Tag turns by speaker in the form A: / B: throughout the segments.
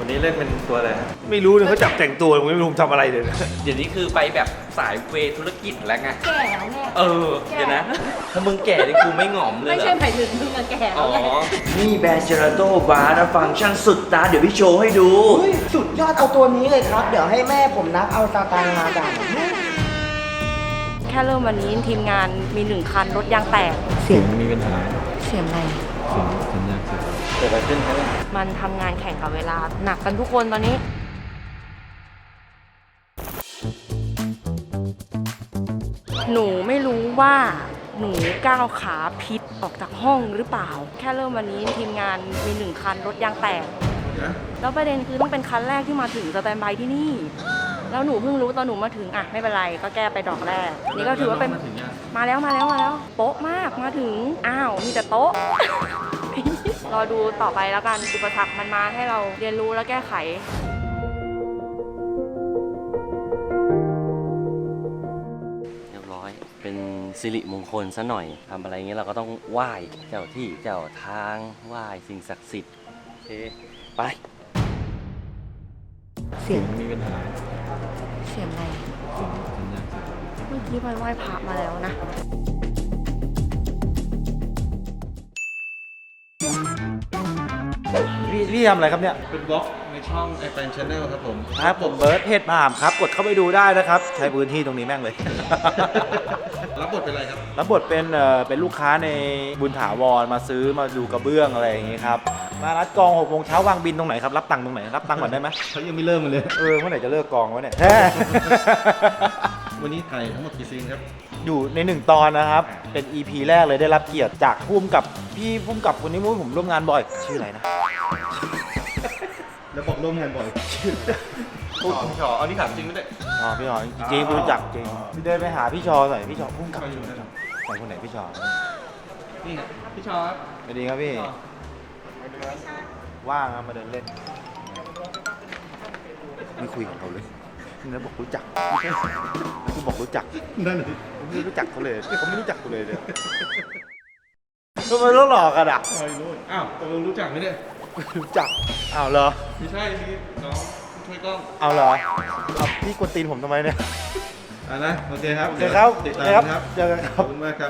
A: วันนี้เล่นเป็นตัวอะไร
B: ไม่รู้เลยเขาจับแต่งตัวผมไม่รู้ผมทำอะไรเลย
C: เดี๋ยวนี้คือไปแบบสายเวธุรกิจแล้วไง
D: แก่แล้วไง
C: เดี๋ยวนะ ถ้ามึงแก่นี่กูไม่หงอมเลย
D: ไม่
C: เหร
D: ใช่
C: อ
D: หมายถึงมึงอะแก่
C: อ๋
D: แล้
C: อ
D: วไง
E: นี่แบรนด์เจลาโต้บาร์นะฟังก์ชันสุดตาเดี๋ยวพี่โชว์ให้ดู
F: สุดยอดเอาตัวนี้เลยครับ เดี๋ยวให้แม่ผมนับเอาสตางค์มาจ่าย
D: แค่เริ่มวันนี้ทีมงานมี1 คันรถยางแตก
A: เสียงมีปัญหา
D: เสียงอะไร
A: เสียงสัญญาณเสียงเกิดอะไรขึ้นครับเนี่ย
D: มันทำงานแข่งกับเวลาหนักกันทุกคนตอนนี้ หนูไม่รู้ว่าหนูก้าวขาพิษออกจากห้องหรือเปล่า แค่เริ่มวันนี้ทีมงานมี1 คันรถยางแตก แล้วประเด็นคือต้องเป็นคันแรกที่มาถึงสแตนบายที่นี่ แล้วหนูเพิ่งรู้ตอนหนูมาถึงอ่ะไม่เป็นไรก็แก้ไปดอกแรก นี่ก็ถือว่าเป็นมาแล้วโป๊ะมากมาถึงอ้าวมีแต่โต๊ะ รอดูต่อไปแล้วกันอุปสรรคมันมาให้เราเรียนรู้และแก้ไข
G: เรียบร้อย เป็นสิริมงคลซะหน่อย ทำอะไรเงี้ยเราก็ต้องไหว้เจ้าที่เจ้าทางไหว้สิ่งศักดิ์สิทธิ์โอเค ไป
D: เสียง
A: มีปัญหา
D: เสียงอะไร
A: เสียงสัญญาณเสียง
D: เมื่อกี้ไปไหว้พระมาแล้วนะ
B: พี่ทำอะไรครับเนี่ย
A: เป็นบล็อกในช่อง iPad Channel ครับผม
B: ครับผมเบิร์ดเพจมหามครับกดเข้าไปดูได้นะครับ ใช้พื้นที่ตรงนี้แม่งเลย
A: รับบทเป็นอะไรครับ
B: รับบทเป็นลูกค้าในบุญถาวรมาซื้อมาดูกระเบื้องอะไรอย่างงี้ครับมานัดกอง6 โมงเช้าวางบินตรงไหนครับรับตังค์ตรงไหนรับตังค์ก่อนได้ไหม
A: เขายังไม่เริ่มกันเลย
B: เมื่อไหร่จะเลิกกองวะเนี่ย
A: วันนี้ถ่ายทั้งหมดกี่ซีนครับ
B: อยู่ใน1 ตอนนะครับ เป็น EP แรกเลยได้รับเกียรติจากพุ่มกับพี่พุ่มกับคนนี้ผมร่วมงานบ่อย ชื่ออะไรนะ
A: แล้วบอกร่วมงานบ่อยพี่ชอเอานี่ถามจริงไม่ได้
B: อ๋อพี่ชอจริงๆรู้จักจริงพี่เดินไปหาพี่ชอหน่อยพี่ชอพุ่มกับใครคนไหนพี่ชอ
A: นี่พี่ชอครับ
B: สวัสดีครับพี่ว่างครับมาเดินเล่นไม่คุยกับเขาเลยนี่บอกรู้จักกูบอกรู้จัก
A: นั่นเลย
B: ผมไม่รู้จักเขาเลยเขาไม่รู้จักกูเลยเนี่ยทำไมต้องหลอกกันอ่ะ
A: ไม่รู้อ้าวตกลงรู้จักไหมเนี่ย
B: รู้จักอ้าวเหรอ
A: ไม่ใช่นี่น้องช่วยกล้อง
B: เอาเหรอเอาพี่กวนตีนผมทำไมเนี่ย
A: นะ โอเคครับ
B: โอเคครับ
A: ติด
B: โอ
A: ตา
B: เค
A: ม
B: ครับ
A: ครับ
B: เจอกันค
A: ข
B: รั
A: อบบ คุณมากครับ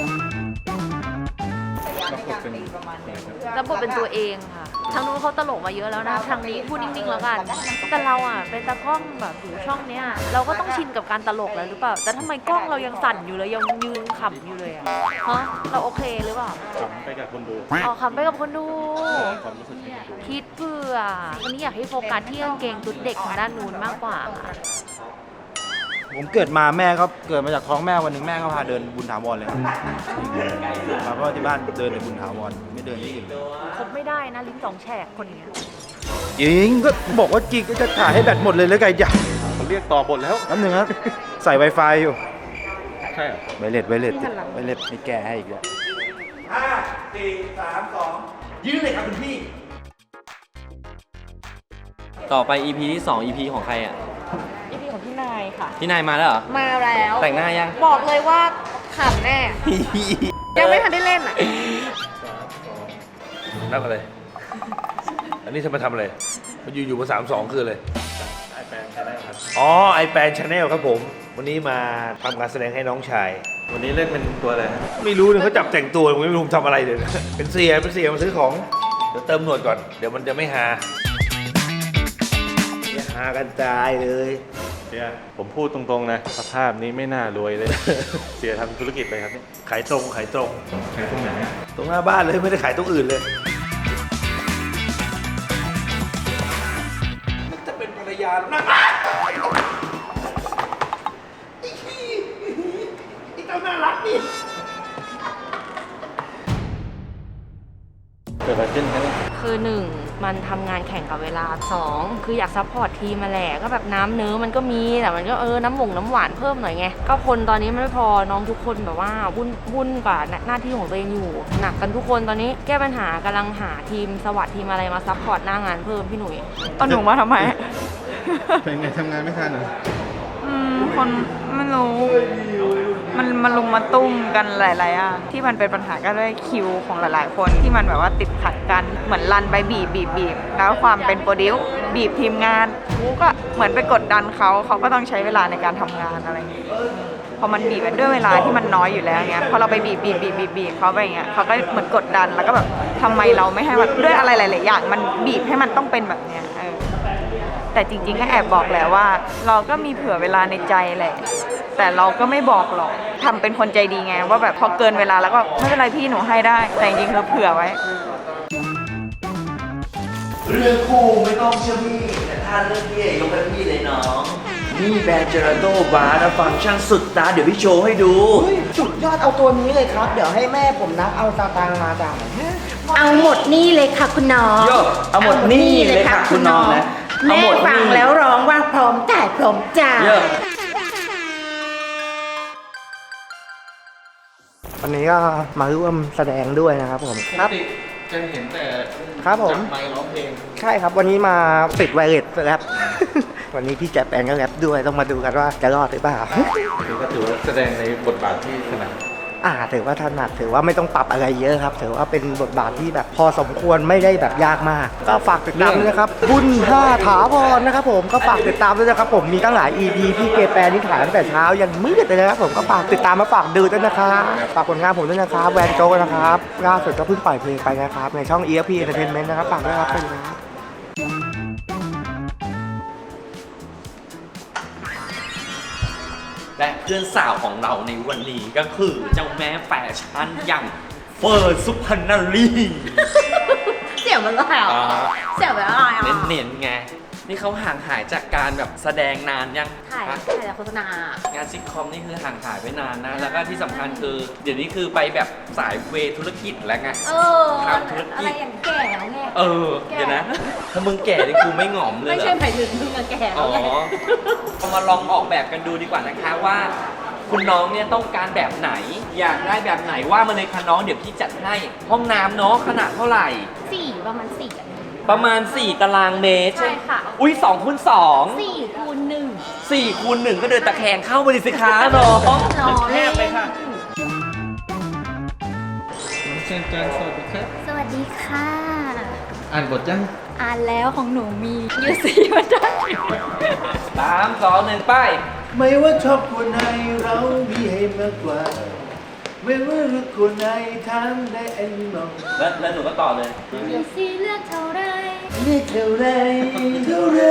D: รับบทเป็นตัวเองค่ะ ทางนู้นเขาตลกมาเยอะแล้วนะ ทางนี้พูดนิ่งๆแล้วกัน แต่เราอ่ะเป็นตากล้องแบบอยู่ช่องเนี้ย เราก็ต้องชินกับการตลกแล้วหรือเปล่า แต่ทำไมกล้องเรายังสั่นอยู่เลยยังยืนขำอยู่เลยอะฮะเราโอเคหรือเปล่า
A: ขำไปกับคนดู
D: อ๋อขำไปกับคนดู
A: ความรู้สึกให้คนดู
D: คิดเพื่อวันนี้อยากให้โฟกัสที่กางเกงตุ๊ดเด็กทางด้านนู้นมากกว่าค่ะ
B: ผมเกิดมาแม่ก็เกิดมาจากท้องแม่วันหนึ่งแม่ก็พาเดินบุญถาวรเลยครับเพราะว่าที่บ้านเดินในบุญถาวรไม่เดินที่อื่น
D: คบไม่ได้นะลิ้นสองแฉกคนนี้
B: จริงก็บอกว่าจริงก็จะถ่ายให้แบตหมดเลยแล้วไงจ้ะ
A: เขาเรียกต่อบทแล้ว
B: แป๊บนึงครับใส่ Wi-Fi อยู่
A: ใช่เหรอ
B: ไวเลสไม่แก้ให้อีกแล้ว5 4 3 2ยืนเลยครับคุณพี่
G: ต่อไป EP ที่ 2 EP ของใครอ่ะ
D: อีพีของพี่นายค่ะ
G: พี่นายมาแล้วเหรอ
D: มาแล้ว
G: แต่งหน้ายัง
D: บอกเลยว่าขำแน่ ยังไม่ทันได้เล่นอ่ะ
H: นับอะไร อันนี้จะมาทำอะไรมันอยู่มา32 คืออะไรอ๋อ iPad Channel ครับผม วันนี้มาทำการแสดงให้น้องชาย
A: วันนี้เล่นเป็นตัวอะไร
H: ไม่รู้เลยเขาจับแต่งตัวผมไม่รู้ผมทำอะไรเลย เป็นเสียมาซื้อของ เดี๋ยวเติมหนวดก่อน เดี๋ยวมันจะไม่ฮาเนี่ยฮากันตายเลย
A: เนี่ยผมพูดตรงๆนะ สภาพนี้ไม่น่ารวยเลย เสียทำธุรกิจเลยครับเนี่ย
H: ขายตรง
A: ขายตรงไหน
H: ตรงหน้าบ้านเลยไม่ได้ขายตรงอื่นเลย มันจะเป็นภรรยานะไอ้เจ้าน่ารักนี่
A: เกิดอะไรขึ้นครับเนี่ย
D: คือ1มันทำงานแข่งกับเวลา2คืออยากซัพพอร์ตทีมมาแหละก็แบบน้ำเนื้อมันก็มีแต่มันก็น้ำหวานเพิ่มหน่อยไงก็คนตอนนี้มันไม่พอน้องทุกคนแบบว่าวุ่นกับหน้าที่ของตัวเองอยู่หนักกันทุกคนตอนนี้แก้ปัญหากำลังหาทีมสวัสดทีมอะไรมาซัพพอร์ตหน้างานเพิ่มพี่หนุ่ยเอาหนูมาทำไม
A: เป็นไงทำงานไม่ทันเหรอ
I: คนไม่รู้มันลุมมาตุ้มกันหลายๆอย่างที่มันเป็นปัญหาก็ด้วยคิวของหลายๆคนที่มันแบบว่าติดขัดกันเหมือนรันไปบีบแล้วความเป็นโปรดิวบีบทีมงานกูก็เหมือนไปกดดันเขาก็ต้องใช้เวลาในการทำงานอะไรอย่างเงี้ยพอมันบีบด้วยเวลาที่มันน้อยอยู่แล้วเงี้ยพอเราไปบีบเขาไปอย่างเงี้ยเขาก็เหมือนกดดันแล้วก็แบบทำไมเราไม่ให้มันด้วยอะไรหลายๆอย่างมันบีบให้มันต้องเป็นแบบเนี้ยแต่จริงๆก็แอบบอกแล้วว่าเราก็มีเผื่อเวลาในใจแหละแต่เราก็ไม่บอกหรอกทำเป็นคนใจดีไงว่าแบบพอเกินเวลาแล้วก็ไม่เป็นไรพี่หนูให้ได้แต่จริงๆคือเผื่อไว้
E: เรื่องคู่ไม่ต้องเชื่อพี่แต่ถ้าเรื่องพี่ยกให้พี่เลยน้องนี่แบรนด์เจลาโต้บาร์นะฟังก์ชันสุดตาเดี๋ยวพี่โชว์ให้ดู
F: เฮ้ยสุดยอดเอาตัวนี้เลยครับ เดี๋ยวให้แม่ผมนับเอาสตางค์มาจ่าย
J: เอาหมดนี่เลยค่ะคุณน้อง
E: โย่เอาหมดนี่เลยค่ะคุณน้องนะเอา
J: แม่
E: หมด
J: ฟัง
E: นี่
J: แล้วร้องว่าพร้อมจ่ายพร้อมจ่าย
E: โย่
F: วันนี้ก็มาร่วมแสดงด้วยนะครับผมครับ
A: จะเห็นแต่
F: ครับผม
A: จับไมค์ร้องเพลง
F: ใช่ครับวันนี้มาติดไวเลสแรป วันนี้พี่แจ๊บแอนก็แรปด้วยต้องมาดูกันว่าจะรอดหรือเปล่า
A: คือก็ถือว่าแสดงในบทบาทที่ถนัด
F: ถือว่าถนัดถือว่าไม่ต้องปรับอะไรเยอะครับถือว่าเป็นบทบาทที่แบบพอสมควรไม่ได้แบบยากมาก ก็ฝากติดตามด้วยนะครับบุญ5ถาวรนะครับผมก็ฝากติดตามด้วยนะครับผมมีตั้งหลาย EP พี่เกแปนนี่ถ่ายตั้งแต่เช้ายันมืดเลยนะครับผมก็ฝากติดตามมาฝากดูด้วยนะครับฝากผลงานผมด้วยนะครับแวนโจนะครับล่าสุดก็เพิ่งปล่อยเพลงไปนะครับในช่อง EFP Entertainment นะครับฝากด้วยครับขอบคุณครับ
C: และเพื่อนสาวของเราในวันนี้ก็คือเจ้าแม่แฟชั่นอย่างเฟิร์นสุพรรณรี
J: เสียงมันอะไรอ่ะเสียงมันอะไรอ่ะ
C: เน้นๆไง นี่เขาห่างหายจากการแบบแสดงนานยัง
J: ถ่าย
C: ฮะ
J: แต่โฆษณาง
C: านซิทคอมนี่คือห่างหายไปนานนะ แล้วก็ที่สำคัญคือ เดี๋ยวนี้คือไปแบบสายเวธุรกิจแล้วไง ทำธุรกิจ
J: อะไรอย่างแก่แล้วไง
C: เดี๋ยวนะ ถ้ามึงแก่นี่กูไม่หงอมเลย
J: ไม่
C: เหรอ
J: ใช่หมายถึงมึงอะแก่แล้
C: อ๋
J: ว
C: อ
J: ไง
C: เอามาลองออกแบบกันดูดีกว่านะคะว่า คุณน้องเนี่ยต้องการแบบไหน อยากได้แบบไหนว่ามาเลยค่ะน้องเดี๋ยวพี่จัดให้ห้องน้ำเนาะขนาดเท่าไหร่
J: ประมาณ4อะ
C: ประมาณ 4 ตารางเมตร
J: ใช่ค่ะ
C: อุ้ย2คูณ2
J: 4 คูณ
C: 4คูณ1ก็เดินตะแคงเข้าไปดิสิคะน้อง
J: 1รอ
C: แค
J: เล่
C: บเลยค่ะ
A: เชิญจานสวัสดีครับ
J: สวัสดีค่ะ
A: อ่านบทยัง
J: อ่านแล้วของหนูมียูซีมาได้
C: 3 2 1 ไป
H: ไม่ว่าชอบคนไหนเรามีให้มากกว่า ไม่ว่าเลือกคนไหนทำได้เองมอง
C: แล้วหนูก็ต่อเลย
J: ยูซีเลือกเท่าไร
H: เลือกเท่าไรเท่าไร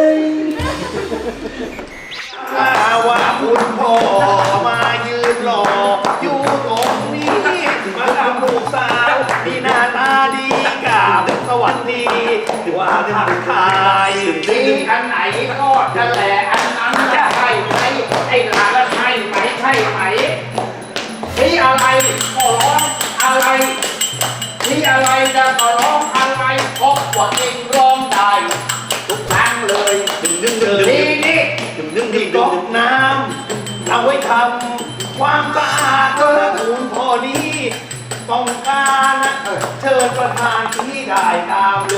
H: ถ้าว่าคุณพ่อมายืนรออยู่ตรงนี้มาทำลูกสาวที่หน้าตาดีกราบสวัสดีว่าทักทายดีอันไหนก็จะแหละอันนั้นจะใช่ไหมไอ้หลานละใช่ไหมใช่ไหมนี่อะไรขอร้องอะไรนี่อะไรจะขอร้องอะไรเพราะว่าเองร้องได้ทุกครั้งเลยนี่นี่ก๊อกน้ำเอาไว้ทำความสะอาดก็คุณพ่อนี้ต้องการเชิญประธานที่ได้ตามเลย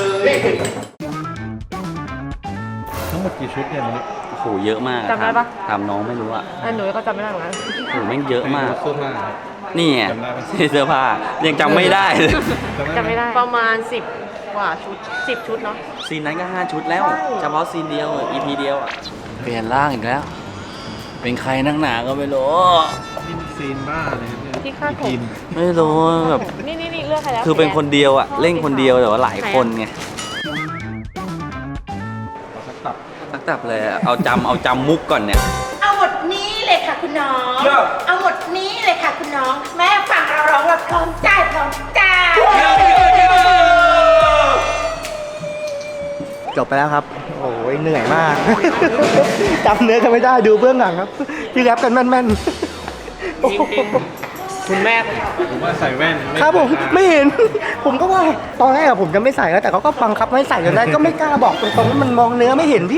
A: ทั้งหมดกี่ชุดเนี่ยมัน
G: โอ้โหเยอะมากอะ
D: จำได้ปะ
G: ถามน้องไม่รู้อะ
D: หนูก็จำไม่ได้เหมือนกัน
G: โอ้โหแม่งเยอะมาก
A: เสื้อผ้า
G: นี่ไง
A: จำได้ปะ
G: เสื้อผ้ายังจำไม่ได้เลย
D: จำไม่ได้ประมาณ10 กว่าชุด 10 ชุดเนาะ
G: ซีนนั้นก็5 ชุดแล้ว
D: ใช่
G: เฉพาะซีนเดียว EP เดียวอะเปลี่ยนร่างอีกแล้ว เป็นใครนักหนาก็ไม่รู้
A: นี่ซีนบ้าเลยครับเนี่ย
D: ที่คาดผม
A: กิน
G: ไม่รู้แบบ
D: นี่เลือกใครแล้ว
G: คือเป็นคนเดียวอะเล่นคนเดียวแต่ว่าหลายคนไงสักตับเลยอะเอาจำมุกก่อนเนี่ย
J: เอาหมดนี้เลยค่ะคุณน้อง เอาหมดนี้เลยค่ะคุณน้อง แม่ฟังเราร้องว่าพร้อมจ่ายพร้อมจ่าย
F: จบไปแล้วครับ โอ้ยเหนื่อยมาก จำเนื้อกันไม่ได้ดูเบื้องหลังครับ ที่แรปกันแม่นๆ
C: คุณแม่
A: ผมว่าใส่แว่นไ
F: ครับผม
A: ใส่ตา
F: ไม่เห็น ผมก็ว่าตอนแรกอะผมจะไม่ใส่แล้วแต่เขาก็บังคับไม่ใส่จนได้ก็ไม่กล้าบอกตรงๆว่ามันมองเนื้อไม่เห็นพี่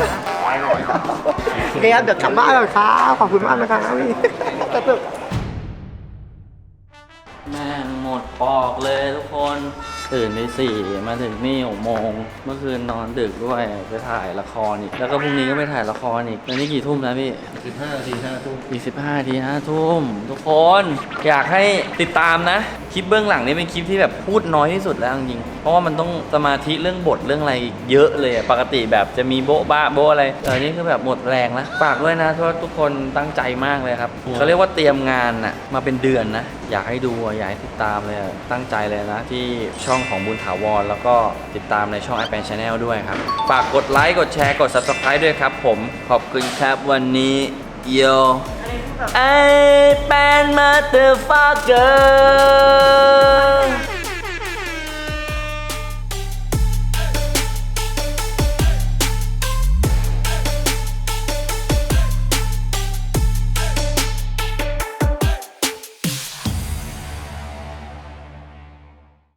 F: โอเคครับเดี๋ยวกลับบ้านแล้วครับขอบคุณมากนะครับพี่
G: แม่งหมดปอกเลยทุกคนตื่นตี4มาถึงนี่6 โมงเมื่อคืนนอนดึกด้วยไปถ่ายละครอีกแล้วก็พรุ่งนี้ก็ไปถ่ายละครอีกแล้วนี่กี่ทุ่มแล้วพี่15 นาที5 ทุ่มอีก15 นาที5 ทุ่มทุกคนอยากให้ติดตามนะคลิปเบื้องหลังนี่เป็นคลิปที่แบบพูดน้อยที่สุดแล้วจริงๆเพราะว่ามันต้องสมาธิเรื่องบทเรื่องอะไรเยอะเลยปกติแบบจะมีโบ๊ะบ้าโบ๊ะอะไรนี่คือแบบหมดแรงแล้วฝากด้วยนะเพราะทุกคนตั้งใจมากเลยครับเขาเรียกว่าเตรียมงานน่ะมาเป็นเดือนนะอยากให้ดูอยากให้ติดตามเลยตั้งใจเลยนะที่ช่องของบุญถาวรแล้วก็ติดตามในช่อง iPad Channel ด้วยครับฝากกดไลค์กดแชร์กด Subscribe ด้วยครับผมขอบคุณครับวันนี้โยไอเป็น motherfucker